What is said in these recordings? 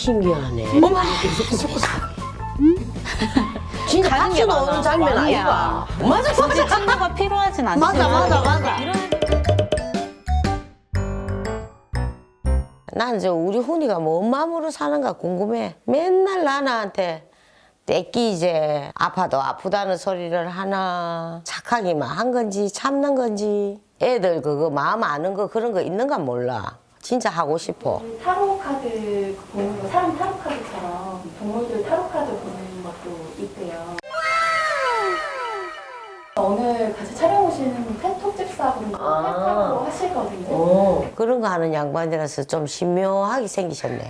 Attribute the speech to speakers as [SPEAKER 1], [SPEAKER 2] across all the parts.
[SPEAKER 1] 신기하네. 어머! 진짜 박수 나오는 장면 아니야? 맞아,
[SPEAKER 2] 굳이
[SPEAKER 1] 맞아.
[SPEAKER 2] 친구가 필요하진 않지만
[SPEAKER 1] 맞아.
[SPEAKER 2] 이런
[SPEAKER 1] 난 이제 우리 훈이가 뭔 마음으로 사는가 궁금해. 맨날 나한테 떼끼 이제 아파도 아프다는 소리를 하나 착하기만 한 건지 참는 건지 애들 그거 마음 아는 거 그런 거 있는가 몰라. 진짜 하고 싶어.
[SPEAKER 3] 타로 카드 보는 거, 사람 타로 카드처럼 동물들 타로 카드 보는 것도 있대요. 오늘 같이 촬영 오시는 펜톡 집사분도 펜타로 하시거든요.
[SPEAKER 1] 그런 거 하는 양반이라서 좀 신묘하게 생기셨네.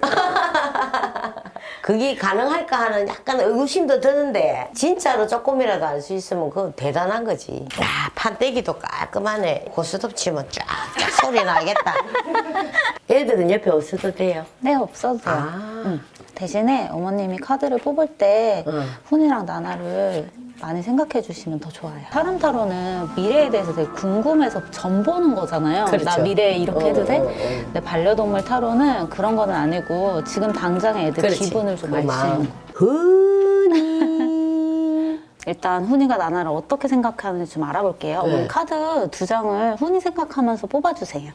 [SPEAKER 1] 그게 가능할까 하는 약간 의구심도 드는데 진짜로 조금이라도 알 수 있으면 그건 대단한 거지. 야, 판때기도 깔끔하네. 고스톱 치면 쫙쫙 소리 나겠다. 애들은 옆에 없어도 돼요?
[SPEAKER 2] 네, 없어도 돼요.
[SPEAKER 1] 아.
[SPEAKER 2] 대신에 어머님이 카드를 뽑을 때
[SPEAKER 1] 응.
[SPEAKER 2] 훈이랑 나나를 많이 생각해 주시면 더 좋아요. 사람 타로는 미래에 대해서 되게 궁금해서 점 보는 거잖아요.
[SPEAKER 1] 그렇죠.
[SPEAKER 2] 나 미래에 이렇게 해도 돼? 근데 반려동물 타로는 그런 거는 아니고 지금 당장의 애들
[SPEAKER 1] 그렇지.
[SPEAKER 2] 기분을 좀
[SPEAKER 1] 그
[SPEAKER 2] 알 수
[SPEAKER 1] 마음.
[SPEAKER 2] 있는 거.
[SPEAKER 1] 흔히
[SPEAKER 2] 일단 훈이가 나나를 어떻게 생각하는지 좀 알아볼게요.
[SPEAKER 1] 네.
[SPEAKER 2] 우리 카드 2장을 훈이 생각하면서 뽑아주세요.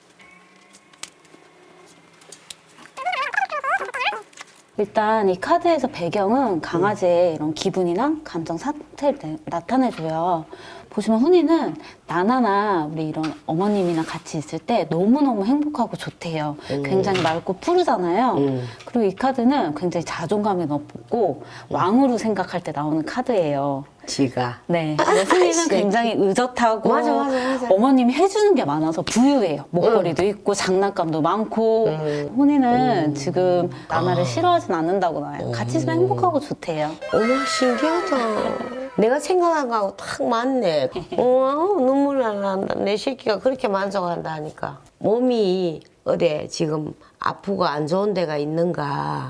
[SPEAKER 2] 일단 이 카드에서 배경은 강아지의 이런 기분이나 감정 상태를 나타내줘요. 보시면 훈이는 나나나 우리 이런 어머님이랑 같이 있을 때 너무너무 행복하고 좋대요. 굉장히 맑고 푸르잖아요. 그리고 이 카드는 굉장히 자존감이 높고 왕으로 생각할 때 나오는 카드예요.
[SPEAKER 1] 지가.
[SPEAKER 2] 네. 근데 훈이는 굉장히 의젓하고
[SPEAKER 1] 맞아.
[SPEAKER 2] 어머님이 해주는 게 많아서 부유해요. 목걸이도 있고 장난감도 많고 훈이는 지금 나나를 싫어하진 않는다고 나와요. 같이 있으면 행복하고 좋대요.
[SPEAKER 1] 어머 신기하다. 내가 생각한 거하고 딱 맞네. 눈물 난다. 내 새끼가 그렇게 만족한다 하니까. 몸이 어디 지금 아프고 안 좋은 데가 있는가.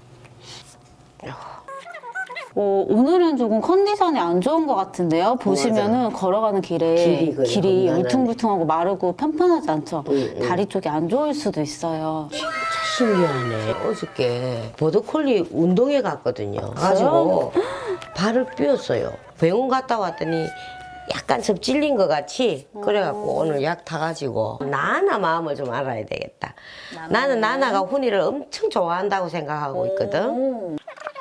[SPEAKER 2] 오늘은 조금 컨디션이 안 좋은 것 같은데요. 보시면은 걸어가는
[SPEAKER 1] 길이 그래요.
[SPEAKER 2] 길이
[SPEAKER 1] 험난하네.
[SPEAKER 2] 울퉁불퉁하고 마르고 편편하지 않죠. 다리 쪽이 안 좋을 수도 있어요.
[SPEAKER 1] 신기하네. 어저께 보더콜리 운동회 갔거든요. 가지고 발을 삐었어요. 병원 갔다 왔더니 약간 접질린 것 같이 그래갖고 오늘 약 타가지고 나나 마음을 좀 알아야 되겠다. 나는 나나가 훈이를 엄청 좋아한다고 생각하고 있거든.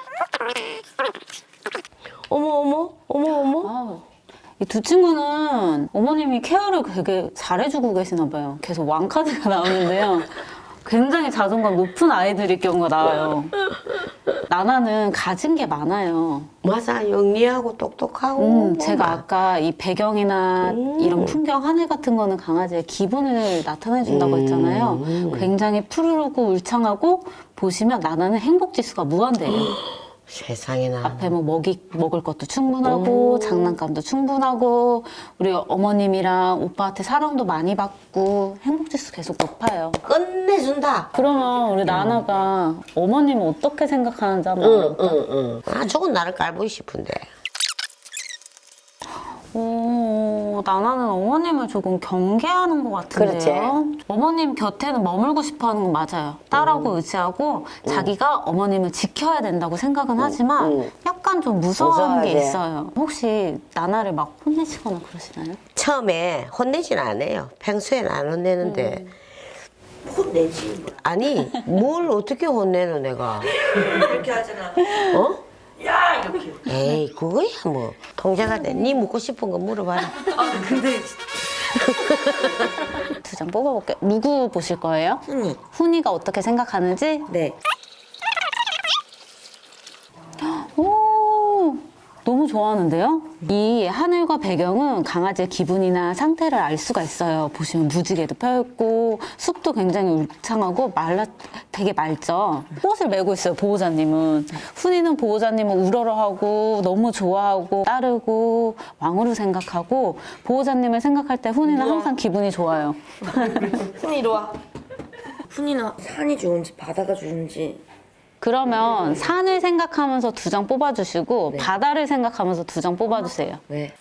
[SPEAKER 1] 어머.
[SPEAKER 2] 이 두 친구는 어머님이 케어를 되게 잘해주고 계시나 봐요. 계속 왕카드가 나오는데요. 굉장히 자존감 높은 아이들일 경우가 나와요. 나나는 가진 게 많아요.
[SPEAKER 1] 맞아, 영리하고 똑똑하고.
[SPEAKER 2] 제가 아까 이 배경이나 이런 풍경, 하늘 같은 거는 강아지의 기분을 나타내준다고 했잖아요. 굉장히 푸르르고 울창하고 보시면 나나는 행복지수가 무한대예요.
[SPEAKER 1] 세상에나.
[SPEAKER 2] 앞에 뭐 먹을 것도 충분하고 장난감도 충분하고 우리 어머님이랑 오빠한테 사랑도 많이 받고 행복지수 계속 높아요.
[SPEAKER 1] 끝내준다.
[SPEAKER 2] 그러면 우리 나나가 어머님은 어떻게 생각하는지 한번 알아볼까?
[SPEAKER 1] 아, 저건 나를 깔보고 싶은데.
[SPEAKER 2] 나나는 어머님을 조금 경계하는 것 같은데요. 어머님 곁에는 머물고 싶어 하는 건 맞아요. 딸하고 의지하고 자기가 어머님을 지켜야 된다고 생각은 하지만 약간 좀 무서워하는 게
[SPEAKER 1] 무서워하지.
[SPEAKER 2] 있어요. 혹시 나나를 막 혼내시거나 그러시나요?
[SPEAKER 1] 처음에 혼내진 않아요. 평소엔 안 혼내는데.
[SPEAKER 4] 혼내지.
[SPEAKER 1] 아니, 뭘 어떻게 혼내노, 내가.
[SPEAKER 4] 이렇게 하잖아.
[SPEAKER 1] 어?
[SPEAKER 4] 야 이렇게.
[SPEAKER 1] 에이, 그거야, 뭐. 통제가 돼. 네 묻고 싶은 거 물어봐라.
[SPEAKER 4] 아 근데
[SPEAKER 2] 2장 뽑아볼게요. 누구 보실 거예요?
[SPEAKER 4] 훈이.
[SPEAKER 2] 훈이가 어떻게 생각하는지?
[SPEAKER 4] 네.
[SPEAKER 2] 오, 너무 좋아하는데요? 이 하늘과 배경은 강아지의 기분이나 상태를 알 수가 있어요. 보시면 무지개도 펴있고 숲도 굉장히 울창하고 되게 맑죠? 꽃을 메고 있어요, 보호자님은. 훈이는 보호자님을 우러러하고 너무 좋아하고 따르고 왕으로 생각하고 보호자님을 생각할 때 훈이는 항상 기분이 좋아요.
[SPEAKER 4] 훈이 이리 와. 훈이는 산이 좋은지 바다가 좋은지.
[SPEAKER 2] 그러면 산을 생각하면서 2장 뽑아주시고 바다를 생각하면서 2장 뽑아주세요.
[SPEAKER 4] 네.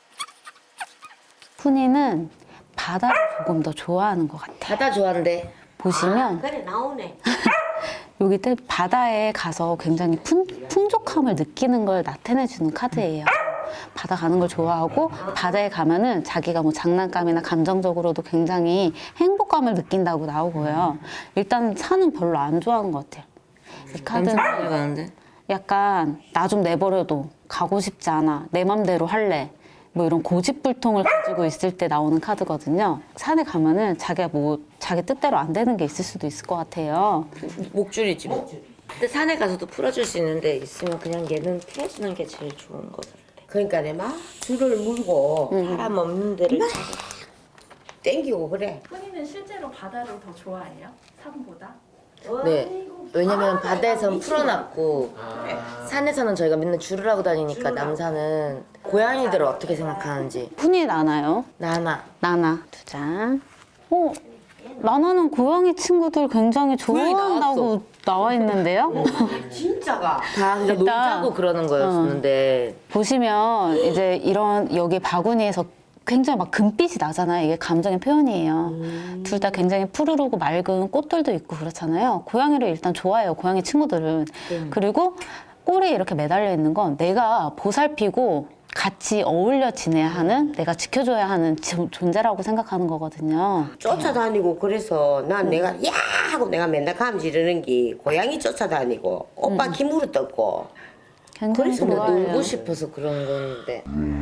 [SPEAKER 2] 훈이는 바다를 조금 더 좋아하는 것 같아요.
[SPEAKER 4] 바다 좋아한대.
[SPEAKER 2] 보시면
[SPEAKER 1] 그래 나오네.
[SPEAKER 2] 여기 때 바다에 가서 굉장히 풍족함을 느끼는 걸 나타내주는 카드예요. 바다 가는 걸 좋아하고 바다에 가면은 자기가 뭐 장난감이나 감정적으로도 굉장히 행복감을 느낀다고 나오고요. 일단 산은 별로 안 좋아하는 것 같아요. 이 카드는
[SPEAKER 4] 가는데?
[SPEAKER 2] 약간 나 좀 내버려둬. 가고 싶지 않아. 내 맘대로 할래. 뭐 이런 고집불통을 가지고 있을 때 나오는 카드거든요. 산에 가면은 자기가 뭐 자기 뜻대로 안 되는 게 있을 수도 있을 것 같아요.
[SPEAKER 4] 목줄이지 뭐. 근데 산에 가서도 풀어줄 수 있는데 있으면 그냥 얘는 풀어주는 게 제일 좋은 것 같아.
[SPEAKER 1] 그러니까 내 막 줄을 물고
[SPEAKER 4] 사람 없는 데를
[SPEAKER 1] 땡기고 그래.
[SPEAKER 3] 훈이는 실제로 바다를 더 좋아해요? 산보다?
[SPEAKER 4] 네. 왜냐면 바다에선 풀어놨고 산에서는 저희가 맨날 줄을 하고 다니니까 남산은 고양이들을 어떻게 생각하는지.
[SPEAKER 2] 훈이 나나요?
[SPEAKER 4] 나나.
[SPEAKER 2] 나나 두 장. 나나는 고양이 친구들 굉장히
[SPEAKER 4] 고양이
[SPEAKER 2] 좋아한다고 나와 있는데요.
[SPEAKER 1] 진짜가.
[SPEAKER 4] 다 그냥
[SPEAKER 2] 일단-
[SPEAKER 4] 놀자고 그러는 거였는데
[SPEAKER 2] 보시면 이제 이런 여기 바구니에서 굉장히 막 금빛이 나잖아요. 이게 감정의 표현이에요. 둘 다 굉장히 푸르르고 맑은 꽃들도 있고 그렇잖아요. 고양이를 일단 좋아해요. 고양이 친구들은. 그리고 꼬리에 이렇게 매달려 있는 건 내가 보살피고 같이 어울려 지내야 하는, 내가 지켜줘야 하는 존재라고 생각하는 거거든요.
[SPEAKER 1] 쫓아다니고 그래서 난 내가 야 하고 내가 맨날 감 지르는 게 고양이 쫓아다니고 오빠 김으로 떴고
[SPEAKER 2] 굉장히
[SPEAKER 4] 근데
[SPEAKER 2] 좋아해요.
[SPEAKER 4] 놀고 싶어서 그런 건데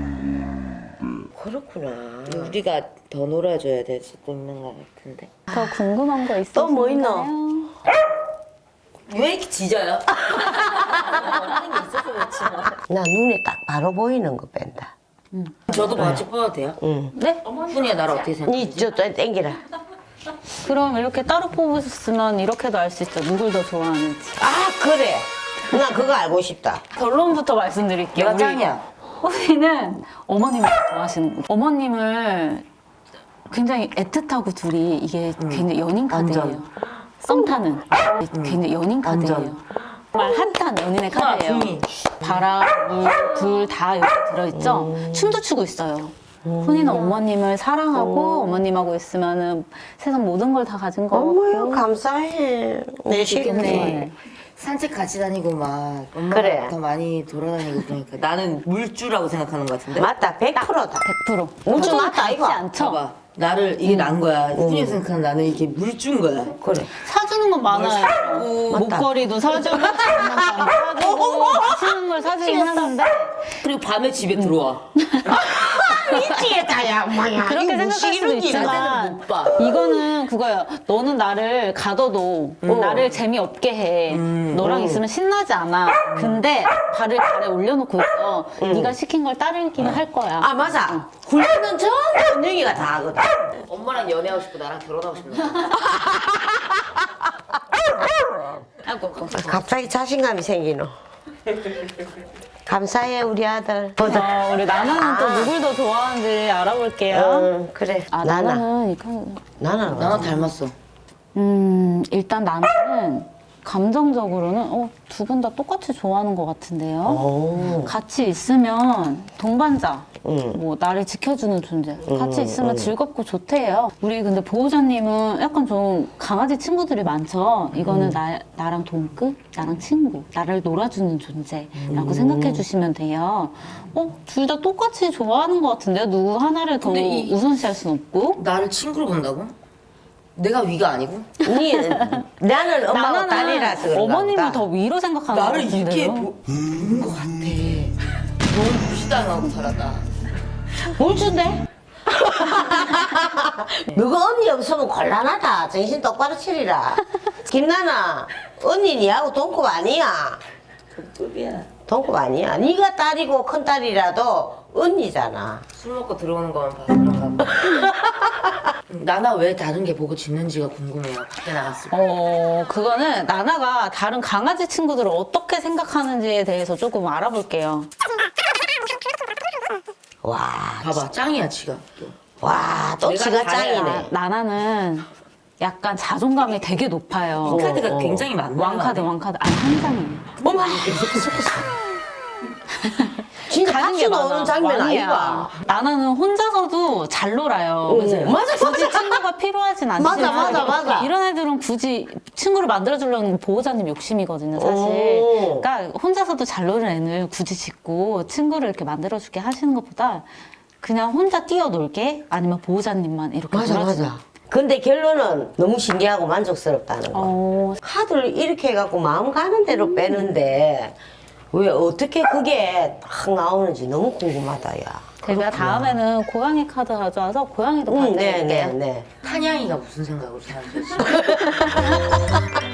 [SPEAKER 1] 그렇구나.
[SPEAKER 4] 우리가 더 놀아줘야 될 수도 있는 것 같은데.
[SPEAKER 2] 더 궁금한 거 있어요?
[SPEAKER 1] 또 뭐 있노?
[SPEAKER 4] 왜 이렇게 짖어요? 하는 게 있어서 그렇지.
[SPEAKER 1] 나 눈에 딱 바로 보이는 거 뺀다.
[SPEAKER 4] 저도 같이 뽑아도 돼요?
[SPEAKER 1] 응.
[SPEAKER 2] 네?
[SPEAKER 4] 훈이야 나를 어떻게 생각해?
[SPEAKER 1] 니저또 땡기라.
[SPEAKER 2] 그럼 이렇게 따로 뽑으셨으면 이렇게도 알 수 있죠. 누굴 더 좋아하는지.
[SPEAKER 1] 아 그래. 나 그거 알고 싶다.
[SPEAKER 2] 결론부터 말씀드릴게요.
[SPEAKER 4] 내가 짱이야.
[SPEAKER 2] 호빈이는 어머님을 좋아하시는 거예요. 어머님을 굉장히 애틋하고 둘이 이게 굉장히 연인 카드예요.
[SPEAKER 4] 완전.
[SPEAKER 2] 썸 타는 굉장히 연인 카드예요.
[SPEAKER 4] 완전.
[SPEAKER 2] 정말 핫한 연인의 카드예요.
[SPEAKER 4] 붐이.
[SPEAKER 2] 바람, 물, 불 다 여기 들어있죠. 춤도 추고 있어요. 훈이는 어머님을 사랑하고 어머님하고 있으면은 세상 모든 걸 다 가진 거
[SPEAKER 1] 어머요 감사해. 내
[SPEAKER 2] 네.
[SPEAKER 1] 시겠네.
[SPEAKER 4] 산책 같이 다니고 막 엄마가
[SPEAKER 1] 그래.
[SPEAKER 4] 더 많이 돌아다니고 그러니까 나는 물주라고 생각하는 것 같은데.
[SPEAKER 1] 맞다 100%다.
[SPEAKER 2] 100%.
[SPEAKER 1] 물주 맞다,
[SPEAKER 2] 닮지
[SPEAKER 1] 이거.
[SPEAKER 2] 않죠?
[SPEAKER 4] 봐봐. 나를 이게 난 거야. 훈이 생각하는 나는 이게 물주인 거야.
[SPEAKER 1] 그래.
[SPEAKER 2] 사주는 건 많아요.
[SPEAKER 1] 맞다.
[SPEAKER 2] 목걸이도 사주고, 장난감 사주고, 맛있는 걸 사주긴 하는데,
[SPEAKER 4] 그리고 밤에 집에 들어와.
[SPEAKER 1] 미치겠다 야 엄마야.
[SPEAKER 2] 그렇게
[SPEAKER 1] 이거
[SPEAKER 2] 생각할 수도
[SPEAKER 1] 무식이는
[SPEAKER 2] 있지만,
[SPEAKER 4] 못 봐.
[SPEAKER 2] 이거는 그거예요. 너는 나를 가둬도 나를 재미없게 해. 너랑 있으면 신나지 않아. 근데 발을 발에 올려놓고 있어. 네가 시킨 걸 따르기는 할 거야.
[SPEAKER 1] 아 맞아. 훈련은 전부 은영이가 다 하거든.
[SPEAKER 4] 엄마랑 연애하고 싶고 나랑 결혼하고 싶네.
[SPEAKER 2] 아이고,
[SPEAKER 1] 갑자기 자신감이 생기노. 감사해 우리 아들.
[SPEAKER 2] 우리 나나는 또 누굴 더 좋아하는지 알아볼게요.
[SPEAKER 1] 그래.
[SPEAKER 2] 아,
[SPEAKER 1] 나나.
[SPEAKER 2] 나나는 이건
[SPEAKER 4] 나랑 닮았어.
[SPEAKER 2] 일단 나는 감정적으로는 두 분 다 똑같이 좋아하는 것 같은데요.
[SPEAKER 1] 오.
[SPEAKER 2] 같이 있으면 동반자,
[SPEAKER 1] 응.
[SPEAKER 2] 뭐 나를 지켜주는 존재. 같이 있으면 즐겁고 좋대요. 우리 근데 보호자님은 약간 좀 강아지 친구들이 많죠. 이거는 나랑 동급, 나랑 친구, 나를 놀아주는 존재라고 생각해 주시면 돼요. 둘 다 똑같이 좋아하는 것 같은데요. 누구 하나를 더
[SPEAKER 4] 근데 이-
[SPEAKER 2] 우선시할 순 없고.
[SPEAKER 4] 나를 친구로 본다고? 내가 위가 아니고?
[SPEAKER 1] 나는 엄마가
[SPEAKER 2] 나나는
[SPEAKER 1] 딸이라서 그런가
[SPEAKER 2] 어머님을
[SPEAKER 1] 보다.
[SPEAKER 2] 더 위로 생각하는 것
[SPEAKER 4] 나를 이렇게
[SPEAKER 2] 같은데요.
[SPEAKER 4] 보는 것 같아. 너무 무시당하고 살았다.
[SPEAKER 1] 물주인데? 너가 언니 없으면 곤란하다. 정신 똑바로 차리라. 김나나, 언니 니하고 동급 아니야.
[SPEAKER 4] 급이야.
[SPEAKER 1] 동급 아니야. 네가 딸이고 큰 딸이라도 언니잖아.
[SPEAKER 4] 술 먹고 들어오는 것만 봐서 그런가 봐. 나나 왜 다른 게 보고 짖는지가 궁금해요. 밖에 나갔을 때.
[SPEAKER 2] 그거는 나나가 다른 강아지 친구들을 어떻게 생각하는지에 대해서 조금 알아볼게요.
[SPEAKER 1] 와,
[SPEAKER 4] 봐봐, 짱이야, 지가. 또.
[SPEAKER 1] 와, 또
[SPEAKER 4] 내가
[SPEAKER 1] 지가
[SPEAKER 4] 잘해야.
[SPEAKER 1] 짱이네.
[SPEAKER 2] 나나는 약간 자존감이 되게 높아요.
[SPEAKER 4] 이 카드가 굉장히 많네.
[SPEAKER 2] 왕카드. 아니, 한 장이에요.
[SPEAKER 1] 어머, 진짜
[SPEAKER 2] 가는 게
[SPEAKER 1] 박수
[SPEAKER 2] 맞아.
[SPEAKER 1] 나오는 장면
[SPEAKER 2] 아니야.
[SPEAKER 1] 아이가.
[SPEAKER 2] 나나는 혼자서도 잘 놀아요.
[SPEAKER 1] 맞아,
[SPEAKER 2] 굳이 친구가 필요하진 않지만
[SPEAKER 1] 맞아.
[SPEAKER 2] 이런 애들은 굳이 친구를 만들어주려는 보호자님 욕심이거든요, 사실.
[SPEAKER 1] 오.
[SPEAKER 2] 그러니까 혼자서도 잘 노는 애를 굳이 짓고 친구를 이렇게 만들어주게 하시는 것보다 그냥 혼자 뛰어놀게 아니면 보호자님만 이렇게 놀아주는
[SPEAKER 1] 근데 결론은 너무 신기하고 만족스럽다는 거. 카드를 이렇게 해갖고 마음 가는 대로 빼는데 왜 어떻게 그게 딱 나오는지 너무 궁금하다, 야.
[SPEAKER 2] 제가 다음에는 고양이 카드 가져와서 고양이도
[SPEAKER 1] 네,
[SPEAKER 2] 받을게요.
[SPEAKER 1] 네.
[SPEAKER 4] 탄양이가 무슨 생각으로 사는지.